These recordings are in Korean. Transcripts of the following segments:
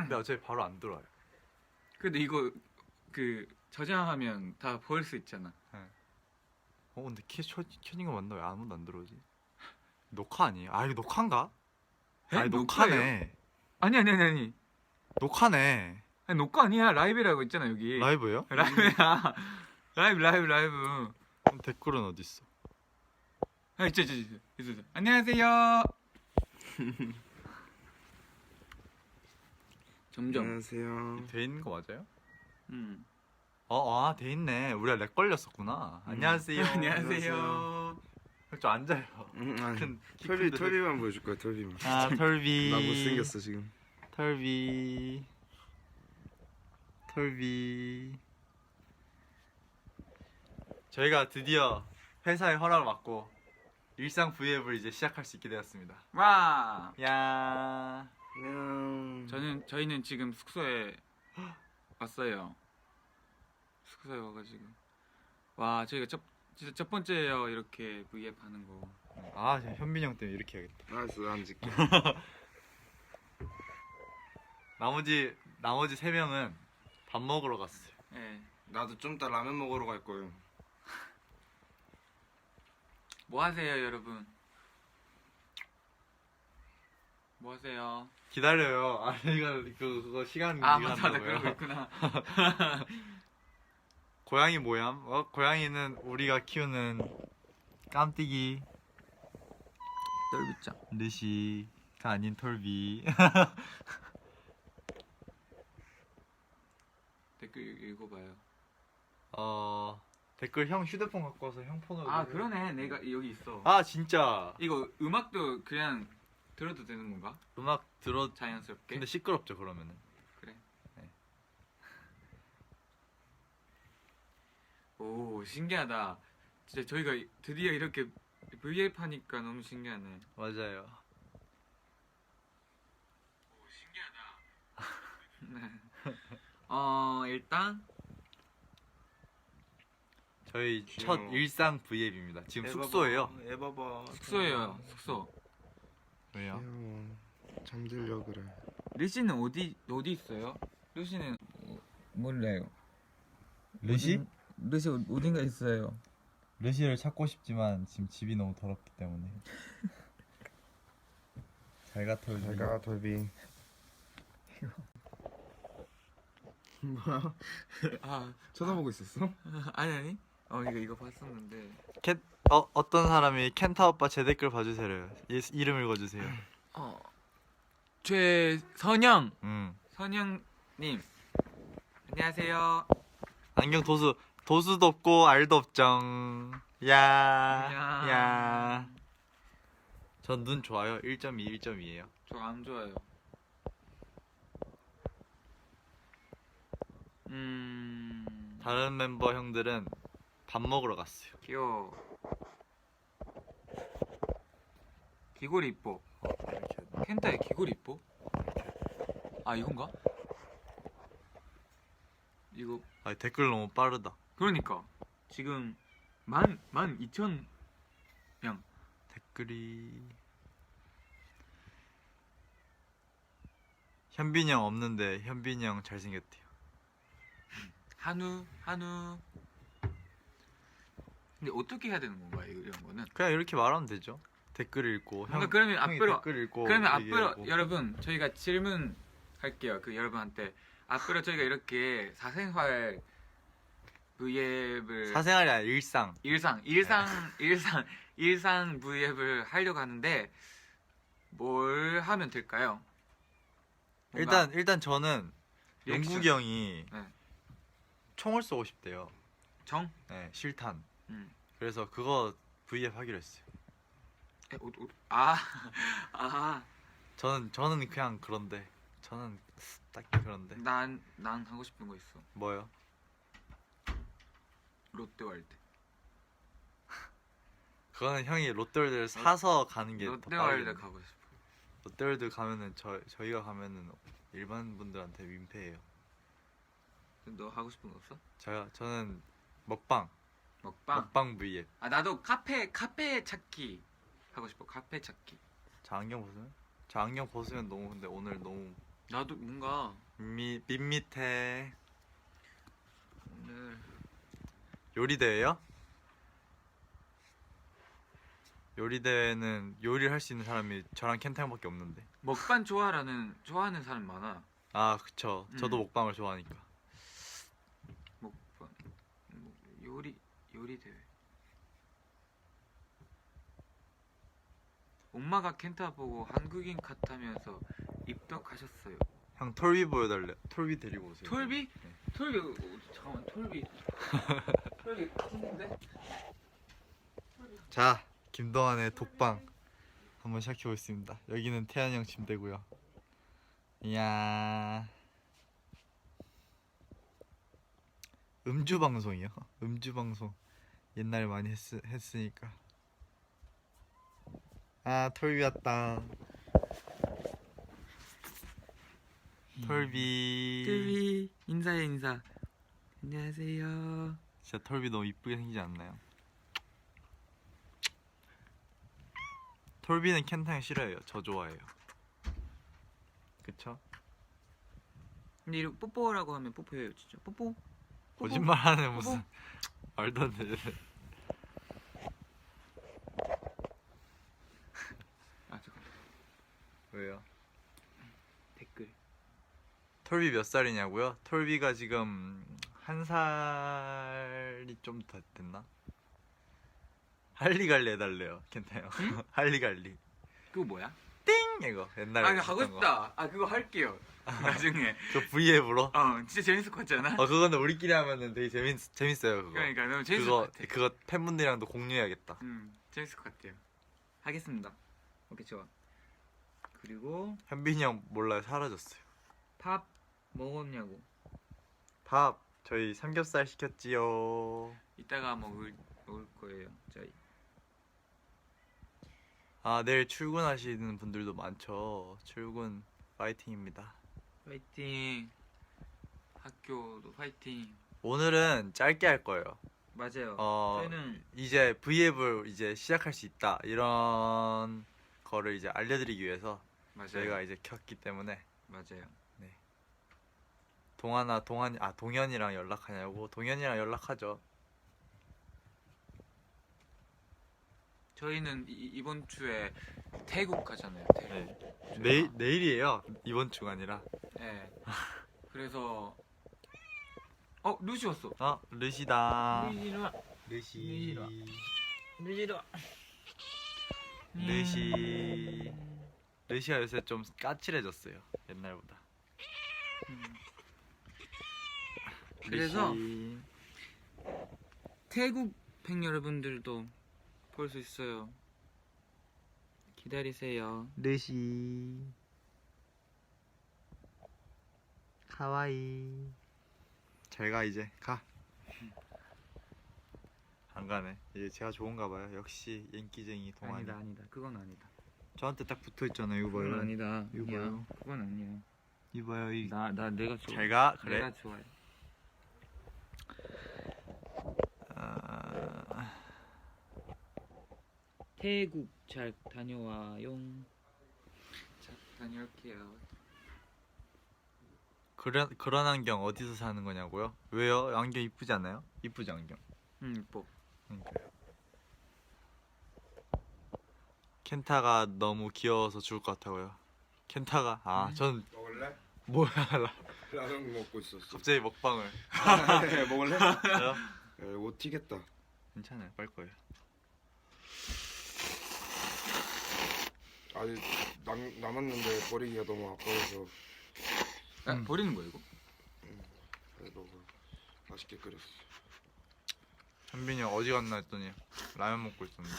근데 어차피 바로 안 들어와요. 근데 이거 그 저장하면 다 보일 수 있잖아. 근데 켜진 거 맞나? 왜 아무도 안 들어오지? 녹화 아니에요? 아 이거 녹화인가? 에? 아니 녹화네. 아니. 녹화네. 아니 녹화 아니야. 라이브라고 있잖아 여기. 라이브예요? 라이브야. 라이브. 그럼 댓글은 어디 있어? 아 있어. 안녕하세요. 점점. 안녕하세요. 돼 있는 거 맞아요? 음. 돼 있네. 우리가 렉 걸렸었구나. 안녕하세요. 안녕하세요. 좀 앉아요. 아니, 큰 털비만 보여줄 거야. 털비만. 아 털비. 나 못생겼어 지금. 털비. 저희가 드디어 회사의 허락을 받고 일상 브이앱을 이제 시작할 수 있게 되었습니다. 와. 야. 안녕. 저희는 지금 숙소에 왔어요. 숙소에 와가지고 와 저희가 진짜 첫 번째예요 이렇게 V앱 하는 거. 아 현빈이 형 때문에 이렇게 해야겠다. 알았어, 앉을게. 나머지 3명은 밥 먹으러 갔어요. 네. 나도 좀 이따 라면 먹으러 갈 거예요. 뭐 하세요 여러분? 뭐 하세요? 기다려요. 아 이거 그거 시간 아 네가 맞다 한다고요? 그러고 있구나. 고양이 모양? 고양이는 우리가 키우는 깜띠기 똘비짱. 르시가 아닌 털비. 댓글 읽어봐요. 댓글 형 휴대폰 갖고 와서 형 폰으로. 아 그러네 내가 여기 있어. 아 진짜 이거 음악도 그냥 들어도 되는 건가? 음악 들어. 자연스럽게. 근데 시끄럽죠 그러면은. 그래. 네. 오 신기하다. 진짜 저희가 드디어 이렇게 V앱 하니까 너무 신기하네. 맞아요. 오 신기하다. 일단 저희 귀여워. 첫 일상 브이앱입니다. 지금 숙소예요. 애봐봐. 숙소예요. 숙소. 왜요? 귀여워. 잠들려 그래. 르시는 어디 있어요? 르시는 몰라요. 르시? 르시 어딘가 있어요. 르시를 찾고 싶지만 지금 집이 너무 더럽기 때문에. 잘가 털비. 잘가 털비. 뭐야? 아 쳐다보고 있었어? 아니. 이거 봤었는데. 어떤 사람이 켄타 오빠 제 댓글 봐주세요. 이름 읽어주세요. 최선영 선영님 안녕하세요. 안경 도수도 없고 알도 없정. 야. 전 눈 좋아요. 1.2, 1.2예요. 저 안 좋아요. 다른 멤버 형들은 밥 먹으러 갔어요. 귀여워. 귀골이 이뻐. 이렇게. 켄타의 귀골이 이뻐? 아 이건가? 이거 댓글 너무 빠르다. 그러니까 지금 12,000 댓글이 현빈이 형 없는데 현빈이 형 잘생겼대요. 한우 근데 어떻게 해야 되는 건가 이런 거는? 그냥 이렇게 말하면 되죠. 댓글 읽고 그러니까 그러면 형이 앞으로 댓글 읽고 그러면 앞으로 얘기하고. 여러분 저희가 질문 할게요. 그 여러분한테 앞으로 저희가 이렇게 사생활 V앱을 사생활이 아니라 일상. 일상 V앱을 하려고 하는데 뭘 하면 될까요? 뭔가 일단 저는 리액션. 영국이 형이 네. 총을 총을 쏘고 싶대요. 정? 네, 실탄. 음. 그래서 그거 V앱 하기로 했어요. 저는 그냥 그런데 저는 딱히 그런데. 난 하고 싶은 거 있어. 뭐요? 롯데월드. 그거는 형이 롯데월드를 사서 가는 게 더 롯데월드 빠르겠네. 가고 싶어. 롯데월드 가면은 저희가 가면은 일반 분들한테 민폐예요. 너 하고 싶은 거 없어? 저는 먹방 V앱. 아 나도 카페 찾기 하고 싶어. 카페 찾기. 저 안경 벗으면 너무 근데 오늘 너무 나도 뭔가 밋밋해. 오늘 요리 대회요? 요리 대회는 요리를 할 수 있는 사람이 저랑 켄타 형밖에 없는데. 먹방 좋아하는 사람 많아. 아 그쵸. 저도 먹방을 좋아하니까. 먹방 요리 대회. 엄마가 켄타 보고 한국인 같다면서 입덕하셨어요. 형 톨비 보여달래. 톨비 데리고 오세요. 톨비? 네. 톨비 잠깐만 톨비. 톨비 큰데? 자, 김동완의 독방 한번 시작해 보겠습니다. 여기는 태환이 형 침대고요. 이야. 음주 방송이요? 음주 방송 옛날에 많이 했으니까. 아, 톨비 왔다. 톨비. 톨비 인사해 인사. 안녕하세요. 진짜 톨비 너무 이쁘게 생기지 않나요? 톨비는 켄타 형 싫어해요. 저 좋아해요. 그쵸? 근데 이거 뽀뽀라고 하면 뽀뽀해요 진짜. 뽀뽀. 거짓말하는 무슨 말도 안 되는. 아 잠깐 왜요? 댓글. 톨비 몇 살이냐고요? 톨비가 지금 1살이 좀 더 됐나? 할리갈리 해달래요 켄타 형. 응? 할리갈리 그거 뭐야? 띵! 이거 옛날에 아 이거 하고 했던 거. 싶다. 아 그거 할게요. 나중에. 그 V앱으로? 진짜 재밌을 것 같지 않아? 그거는 우리끼리 하면은 되게 재밌어요 그거. 그러니까 너무 재밌을 것 같아. 그거 팬분들이랑도 공유해야겠다. 재밌을 것 같아요. 하겠습니다. 오케이 좋아. 그리고 현빈이 형 몰라요. 사라졌어요. 밥 먹었냐고. 밥 저희 삼겹살 시켰지요. 이따가 먹을 거예요. 저희. 아 내일 출근하시는 분들도 많죠. 출근 파이팅입니다. 파이팅. 학교도 파이팅. 오늘은 짧게 할 거예요. 맞아요. 저희는 이제 V앱을 이제 시작할 수 있다 이런 거를 이제 알려드리기 위해서 맞아요. 저희가 이제 켰기 때문에. 맞아요. 동현이랑 연락하냐고. 동현이랑 연락하죠. 저희는 이번 주에 태국 가잖아요. 태국. 내일이에요. 이번 주가 아니라. 네. 그래서 루시 왔어. 르시다. 루시. 르시가 요새 좀 까칠해졌어요. 옛날보다. 그래서 르시. 태국 팬 여러분들도 볼 수 있어요. 기다리세요. 르시 카와이. 잘가 이제 가. 안 가네. 이제 제가 좋은가 봐요. 역시 인기쟁이 동안이. 아니다. 그건 아니다. 저한테 딱 붙어 있잖아요. 이거 봐요. 그건 아니다. 이거 봐요. 그건 아니야. 이거 봐요. 이 내가 좋아. 잘가. 그래. 내가 좋아해. 태국 잘 다녀와요. 잘 다녀올게요. 그런 안경 어디서 사는 거냐고요? 왜요? 안경 이쁘지 않아요? 이쁘지 안경. 이뻐. 그러니까요. 켄타가 너무 귀여워서 죽을 것 같다고요. 켄타가 전 먹을래? 뭐야 라면 먹고 있었어. 갑자기 먹방을. 네, 먹을래? 저요? 옷 튀겠다. 괜찮아요. 빨 거예요. 아직 남았는데 버리기가 너무 아까워서 버리는 거야 이거? 그래도 맛있게 끓였어. 현빈이 형 어디 갔나 했더니 라면 먹고 있었는데.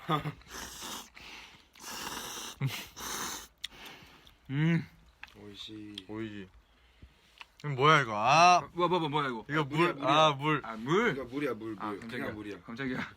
오이시. 오이지. 이거 뭐야 이거? 뭐야 이거? 이거 물이야, 물. 물이야. 물. 물? 이거 물이야 물. 깜짝이야. 그냥 물이야. 깜짝이야.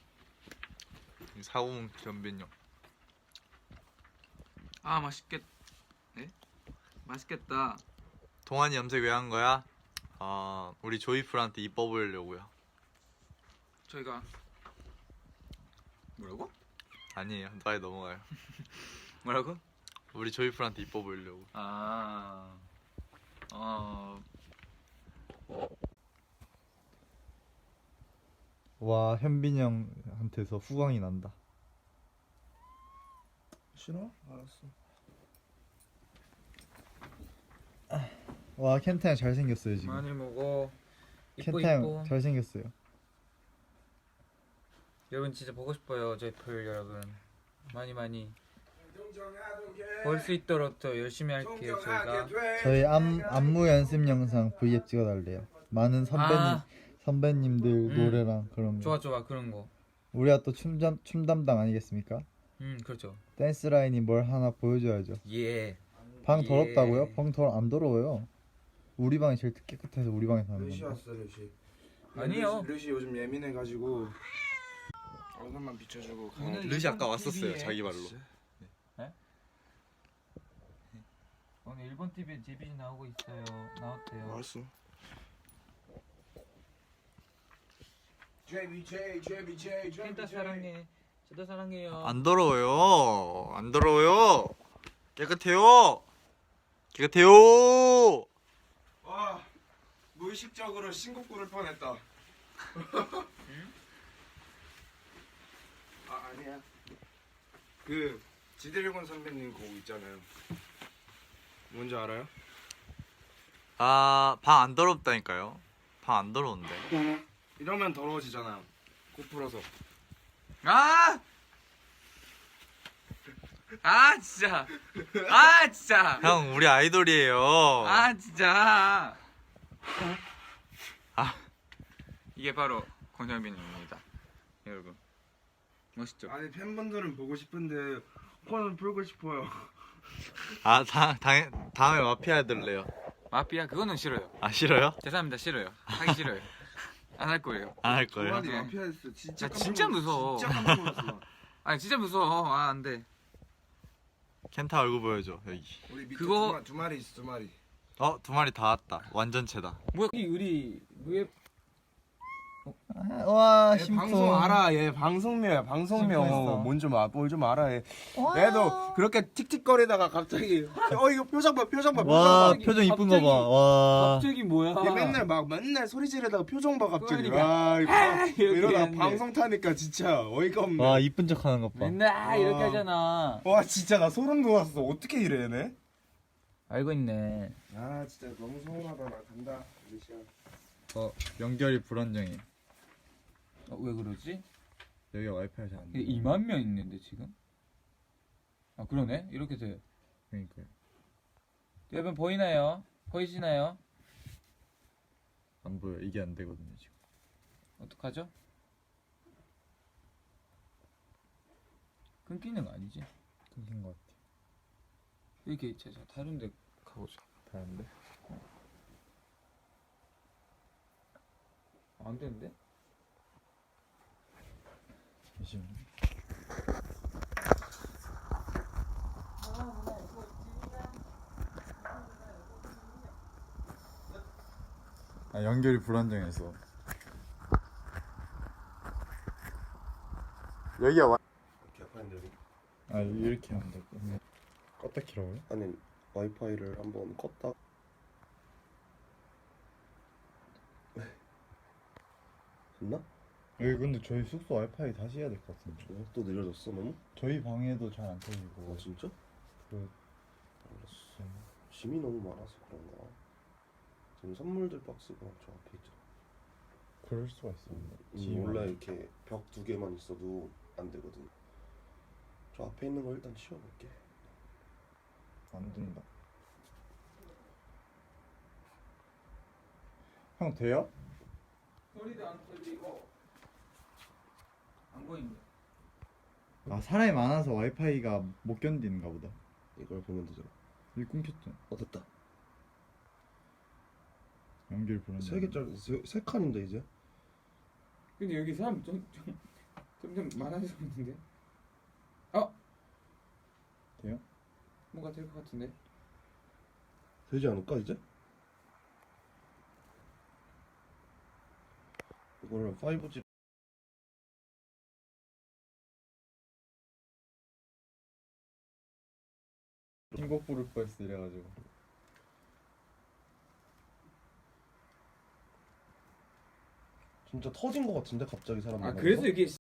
사고문 현빈이 형. 맛있겠다. 동안이 염색 왜 한 거야? 우리 조이풀한테 이뻐 보이려고요. 저희가 뭐라고? 아니에요. 빨리 넘어가요. 뭐라고? 우리 조이풀한테 이뻐 보이려고. 아, 와 현빈이 형한테서 후광이 난다. 싫어? 알았어. 와 켄타 형 잘생겼어요 지금. 많이 먹어. 이뻐 켄타 이뻐. 형 잘생겼어요. 여러분 진짜 보고 싶어요, 제플 여러분. 많이 볼 수 있도록 더 열심히 할게요 저희가. 저희 안무 연습 영상 V앱 찍어달래요. 많은 선배님들 노래랑 그런 거. 좋아 그런 거. 우리가 또 춤 담당 아니겠습니까? 그렇죠. 댄스 라인이 뭘 하나 보여줘야죠. 예. 방 예. 더럽다고요? 방 안 더러워요. 우리 방이 제일 깨끗해서 우리 방에서 하는 루시 건데. 왔어 루시. 아니요. 루시 요즘 예민해가지고 얼굴만 비춰주고 가야 돼. 르시 아까 왔었어요 자기 말로. 오늘 일본 TV에 제비지 나오고 있어요. 나왔대요. 알았어. JBJ 켄타 사랑해. 저도 사랑해요. 안 더러워요. 안 더러워요. 깨끗해요. 깨끗해요. 와 무의식적으로 신곡 부를 뻔했다. 아니야. 그 지드래곤 선배님 곡 있잖아요. 뭔지 알아요? 아, 방 안 더럽다니까요. 방 안 더러운데. 이러면 더러워지잖아. 코 풀어서. 진짜. 진짜. 형, 우리 아이돌이에요. 진짜. 아. 이게 바로 권현빈입니다. 여러분. 멋있죠? 아니 팬분들은 보고 싶은데 코는 풀고 싶어요. 아, 다음에 마피아 해둘래요. 마피아 그거는 싫어요. 아, 싫어요? 죄송합니다. 싫어요. 하기 싫어요. 안 할 거예요. 안 할 거예요. 조만이 네. 마피아였어. 진짜 나 진짜 무서워. 진짜 깜짝 놀랐어. 아니 진짜 무서워. 안 돼. 켄타 얼굴 보여줘, 여기. 우리 밑에 그거- 두 마리 있어. 두 마리. 어, 2마리 다 왔다. 완전체다. 뭐야? 우리 무예 와, 얘 방송 알아. 얘 방송묘야. 방송묘. 심쿵했어. 뭘좀 알아. 얘. 얘도 그렇게 틱틱거리다가 갑자기 이거 표정 봐. 와, 표정 봐. 표정 이쁜 거 봐. 와. 갑자기 뭐야? 얘 맨날 소리 지르다가 표정 봐 갑자기. 그러니까. 와, 이렇게 이러다 하는데. 방송 타니까 진짜 어이가 없네. 와, 이쁜 척 하는 것 봐. 맨날 이렇게 와. 하잖아. 와 진짜 나 소름 돋았어. 어떻게 이래 얘네? 알고 있네. 아 진짜 너무 서운하다. 나 간다. 루시야. 연결이 불안정해. 왜 그러지? 여기가 와이파이가 잘 안 돼. 2만 명 있는데 지금? 아 그러네. 이렇게 돼. 그러니까요. 여러분 보이나요? 보이시나요? 안 보여. 이게 안 되거든요, 지금. 어떡하죠? 끊기는 거 아니지? 끊긴 것 같아. 이렇게 제가 다른 데 가보자. 다른데? 안 되는데? 잠시만. 아, 연결이 불안정해서. 여기가 와. 개판인데 여기. 아, 이렇게 하면 될 거. 껐다 키라고요? 아니 와이파이를 한번 껐다. 됐나? 여기 근데 저희 숙소 와이파이 다시 해야 될 것 같은데. 또 느려졌어 너무? 저희 방에도 잘 안 터지고. 아 진짜? 그 알았어. 짐이 너무 많아서 그런가? 지금 선물들 박스가 저 앞에 있잖아. 그럴 수가 있어. 원래 이렇게 벽 2개만 있어도 안 되거든. 저 앞에 있는 거 일단 치워볼게. 안 된다. 형 돼요? 소리도 안 들리고 안 보인다. 아, 사람이 많아서 와이파이가 못 견디는가 보다. 이걸 보면 되잖아. 여기 끊겼잖아. 됐다. 연결 불안정. 3개짜리 세 칸인데 이제. 근데 여기 사람 점점 많아졌는데? 돼요? 뭔가 될 것 같은데? 되지 않을까 이제? 이거를 5G 신곡 부를 뻔했어 이래가지고. 진짜 터진 거 같은데 갑자기 사람 아 만나서? 그래서 이게